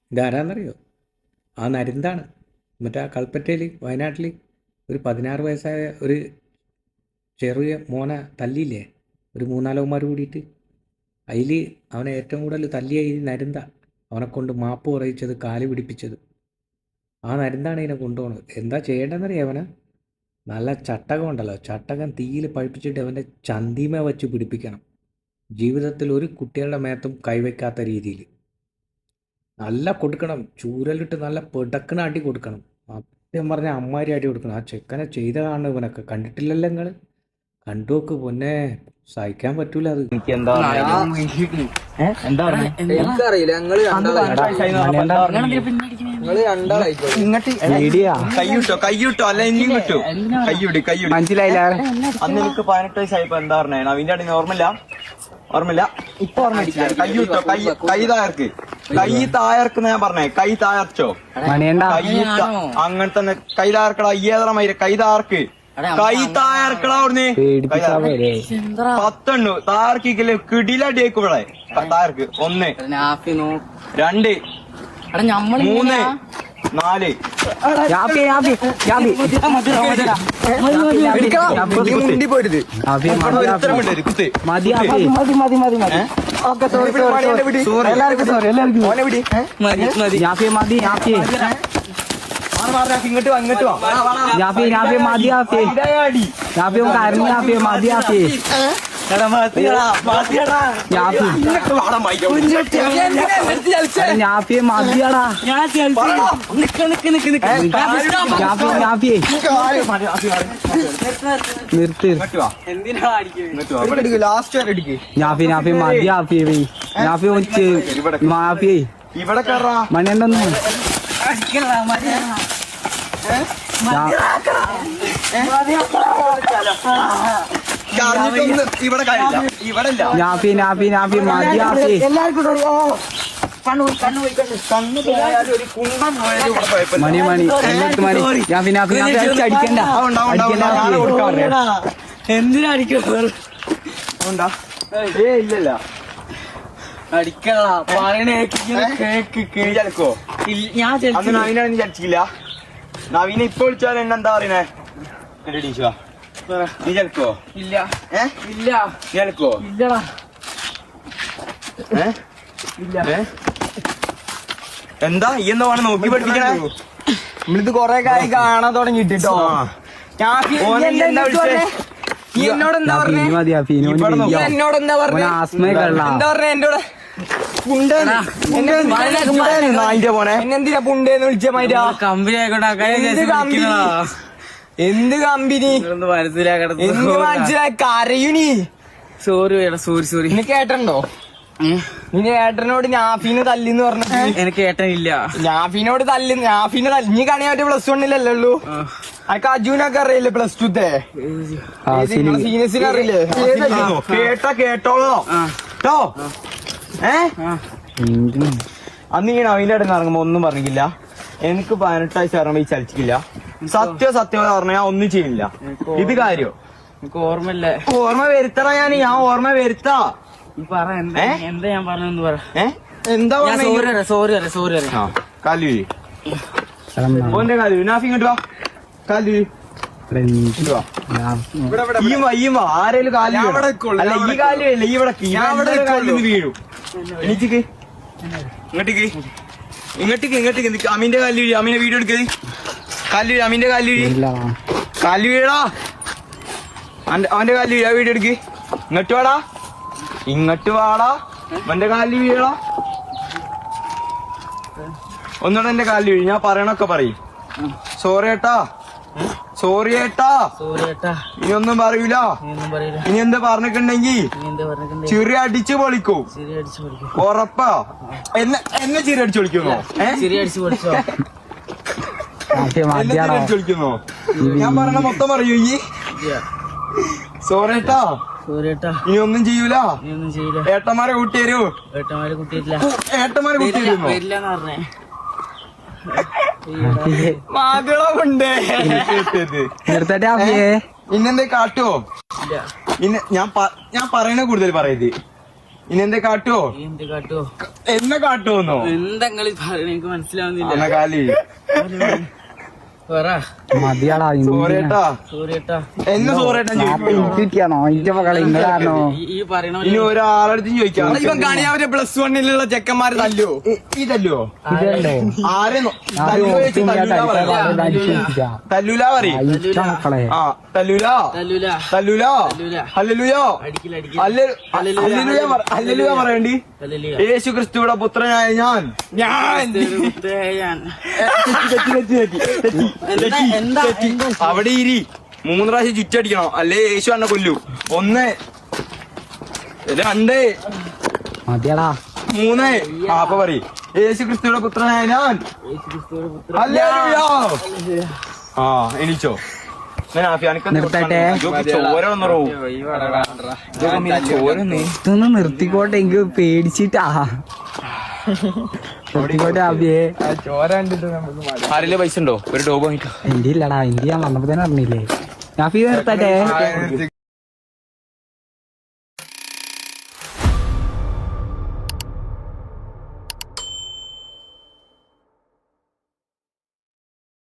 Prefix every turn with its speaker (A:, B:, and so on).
A: ഇതാരാന്നറിയോ? ആ നരുന്താണ്. മറ്റേ ആ കൽപ്പറ്റയിൽ വയനാട്ടിൽ ഒരു 16 വയസ്സായ ഒരു ചെറിയ മോനെ തല്ലിയില്ലേ, ഒരു മൂന്നാലോമാർ കൂടിയിട്ട്. അതിൽ അവനെ ഏറ്റവും കൂടുതൽ തല്ലിയ ഈ നരുന്ത. അവനെ കൊണ്ട് മാപ്പ് പറയിച്ചത്, കാല് പിടിപ്പിച്ചത് ആ നരുന്താണ്. ഇതിനെ കൊണ്ടുപോകണത്. എന്താ ചെയ്യേണ്ടതെന്നറിയാം? അവനെ നല്ല ചട്ടകം ഉണ്ടല്ലോ, ചട്ടകം തീയിൽ പഴിപ്പിച്ചിട്ട് അവൻ്റെ ചന്തിമ വെച്ച് പിടിപ്പിക്കണം. ജീവിതത്തിൽ ഒരു കുട്ടികളുടെ മേത്തും കൈവയ്ക്കാത്ത രീതിയിൽ നല്ല കൊടുക്കണം. ചൂരലിട്ട് നല്ല പെടക്കണ അടി കൊടുക്കണം. സത്യം പറഞ്ഞ അമ്മാരി അടി കൊടുക്കണം. ആ ചെക്കനെ ചെയ്തതാണ് ഇവനൊക്കെ. കണ്ടിട്ടില്ലല്ലോ നിങ്ങൾ? കണ്ടു നോക്ക് പൊന്നെ, സഹിക്കാൻ പറ്റൂല അത്.
B: എനിക്കറിയില്ല. കയ്യൂട്ടോ അല്ല ഇനിയും കിട്ടു. കയ്യൂടി മനസ്സിലായില്ല. അന്ന് എനിക്ക് 18 വയസ്സായിപ്പോ എന്താ പറഞ്ഞേ? നവീന്റെ അടി ഓർമ്മയില്ല ഇപ്പൊ ഓർമ്മ. കയ്യൂട്ടോ, കൈ തായർക്ക്, കൈ തായർക്കെന്ന് ഞാൻ പറഞ്ഞേ. കൈ തായർച്ചോ? അങ്ങനെ തന്നെ കൈ തായർക്കടാ. ഏതറ മൈര കൈ തായർക്ക്, കൈ തായർക്കടാ. അവിടുന്ന് 10 തായർക്കില്ലേ കിടിലടിയേക്കും ഇവിടെ. തായർക്ക് 1 2 3 4 പോരുത്. ഇങ്ങോട്ട് ഇവിടെ
C: മണിയുണ്ടെന്ന്
B: എന്തിനാ അടിക്കോ? ഇല്ലല്ല അടിക്കോ? ഞാൻ നവീനാണ് ചടിച്ചില്ല. നവീന ഇപ്പൊ വിളിച്ചാൽ എന്നെന്താ പറയണേ? നീ ചലക്കോ? ഇല്ല. ഇല്ല. ചലക്കോ? ഇല്ലടാ. എന്താ ഈ എന്താ വേണം നോക്കി പഠിപ്പിക്കണേ? നമ്മളിത് കൊറേ കാര്യം കാണാൻ തുടങ്ങിട്ടോ. എന്നോട് എന്താ പറഞ്ഞേ? എന്നോട് എന്താ പറഞ്ഞേ? എന്താ പറഞ്ഞേ എന്നോട്? എന്നെന്തിനാ പുണ്ടെന്ന് വിളിച്ച മാറ്റാ? കമ്പനി എന്ത് കമ്പനി? എന്ത് മനസ്സിലായി? കരയുനി. Sorry sorry. നിനക്ക് ഏട്ടനുണ്ടോ? നിന്റെ ഏട്ടനോട് നാഫീന് തല്ലിന്ന് പറഞ്ഞിട്ട് എനിക്ക് ഏട്ടനില്ല. നാഫീനോട് നാഫീനെ നീ കണിയാൻ പറ്റിയ +1 അല്ലല്ലോ. അനക്ക് അജുനൊക്കെ അറിയില്ലേ? +2 സീനിയസിനെ അറിയില്ലേ? കേട്ടോളോ കേട്ടോ. അന്ന് ഈ നവീന്റെ ഇടയിൽ നിന്ന് ഇറങ്ങുമ്പോ ഒന്നും പറഞ്ഞില്ല. എനിക്ക് 18 വയസ്സ് ഇറങ്ങുമ്പോ ഈ ചലിച്ചിട്ടില്ല. സത്യം പറഞ്ഞാ ഒന്നും ചെയ്യില്ല. ഇത് കാര്യം എനിക്ക് ഓർമ്മയില്ല. ഓർമ്മ വരുത്തറ. ഞാൻ ഓർമ്മ വരുത്താ. എന്താ ഞാൻ പറഞ്ഞെന്ന് പറ. എന്താ സോറി. കാലു ഓന്റെ കാലു നാഫി ഇങ്ങോട്ട് വാ. കാലു ആരേലും കാലു അല്ല ഈ കാലല്ല. ഈ ഇവിടെ വീഴും. എനിച്ചിക്ക് ഇങ്ങോട്ടേക്ക് അമീന്റെ കാലു വീഴി. അമീനെ വീഡിയോ എടുക്കത്. കാലു അമീന്റെ കാലു വീഴാ. അവന്റെ കാലു വീഴാ. വീഡിയോ എടുക്ക്. ഇങ്ങോട്ട് വാടാ. അവന്റെ കാലിൽ വീഴാ. ഒന്നുകൂടെ എന്റെ കാലിൽ വീഴി. ഞാൻ പറയണൊക്കെ പറയും. സോറി ഏട്ടാ. ഇനി ഒന്നും പറയൂല. ഇനി എന്താ പറഞ്ഞിട്ടുണ്ടെങ്കി ചിറി അടിച്ച് പൊളിക്കൂ. ഉറപ്പാ? എന്നെ ചിരി അടിച്ച് പൊളിക്കുന്നോ? വിളിക്കുന്നോ? ഞാൻ പറഞ്ഞ മൊത്തം പറയൂ. ഈ സോറേട്ടാ ഇനി ഒന്നും ചെയ്യൂല. ഏട്ടന്മാരെ കൂട്ടി തരൂ. ഏട്ടന്മാരെ കൂട്ടി തരുമോ? മകളുണ്ട്. ഇന്നെന്തേ കാട്ടുവോ? ഞാൻ പറയണ കൂടുതൽ പറയത്. ഇനി എന്തേ കാട്ടുവോ
C: എന്ത് കാട്ടോ
B: എന്നെ കാട്ടുവോന്നോ
C: എന്താ നിങ്ങള് പറയണ എനിക്ക് മനസ്സിലാവുന്നില്ല
B: എന്നെ കാലി
C: പറ
D: മതിയാടാ
B: സോറിയേട്ടാ
C: സോറി ഏട്ടാ
B: എന്നെ സോറിയേട്ടാ
D: കിട്ടിയാണോ ഇന്റെ മകളെ ഇങ്ങളാണോ
C: ഈ പറയണ
B: ഇനി ഒരാളടുത്ത് ചോദിക്കാം ഇവൻ കാണിയാവരെ പ്ലസ് വണ്ണിലുള്ള ചെക്കന്മാര് തല്ലോ ഈ തല്ലുവോ
D: ഇതല്ലേ
B: ആരെ തല്ലൂല പറയും
D: മക്കളെ
B: ആ തല്ലൂല
C: തല്ലൂല
B: തല്ലൂല
C: തല്ലൂല.
B: ഹല്ലേലൂയ
C: അടിക്കില്ല അടിക്കില്ല
B: ഹല്ലേലൂയ പറയണ്ടി
C: ഹല്ലേലൂയ.
B: യേശു ക്രിസ്തുവിടെ പുത്രനായ ഞാൻ
C: ഞാൻ
B: തെറ്റി. അവിടെ ഇരി 3 പ്രാവശ്യം ചുറ്റടിക്കണം അല്ലേ യേശു എന്നെ കൊല്ലു 1 2
D: മതിയാടാ
B: 3 അപ്പൊ പറ യേശു ക്രിസ്തുവിടെ പുത്രനായ ഞാൻ
C: യേശുക്രിസ്തുവിന്റെ പുത്രൻ.
B: ഹല്ലേലൂയ. ആ എണീച്ചോ
D: നിർത്തട്ടെ.
B: ചോര വന്നറോ ചോര
D: ഇതൊന്ന് നിർത്തിക്കോട്ടെ എനിക്ക് പേടിച്ചിട്ടാ നിർത്തിക്കോട്ടെ ആബിയെ
B: ആരെങ്കിലും പൈസ ഉണ്ടോ ഒരു ഡോബ് വാങ്ങിക്കോ
D: എന്റെ ഇല്ലടാ എന്റെ ഞാൻ വന്നപ്പോ തന്നെ അറിഞ്ഞില്ലേ ഞാൻ ഫീ നിർത്തട്ടെ